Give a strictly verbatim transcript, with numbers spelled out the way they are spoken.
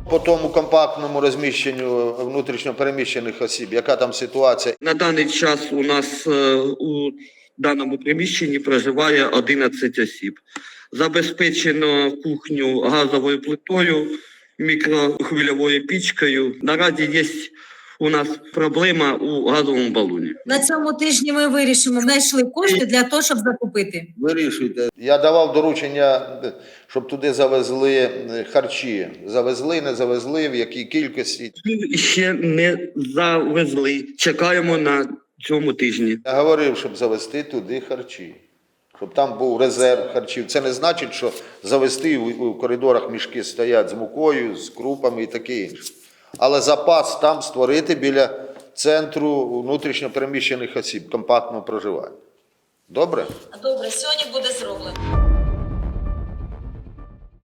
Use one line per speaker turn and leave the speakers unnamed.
По тому компактному розміщенню внутрішньопереміщених осіб, яка там ситуація?
На даний час у нас е, у даному приміщенні проживає одинадцять осіб. Забезпечено кухню газовою плитою, мікрохвильовою пічкою. Наразі є у нас проблема у газовому балоні.
На цьому тижні ми вирішимо, знайшли кошти для того, щоб закупити.
Вирішуйте. Я давав доручення, щоб туди завезли харчі. Завезли, не завезли, в якій кількості.
Ще не завезли. Чекаємо на цьому тижні.
Я говорив, щоб завезти туди харчі. Щоб там був резерв харчів. Це не значить, що завезти у коридорах мішки стоять з мукою, з крупами і таке інше. Але запас там створити біля центру внутрішньопереміщених осіб, компактного проживання. Добре?
Добре, сьогодні буде зроблено.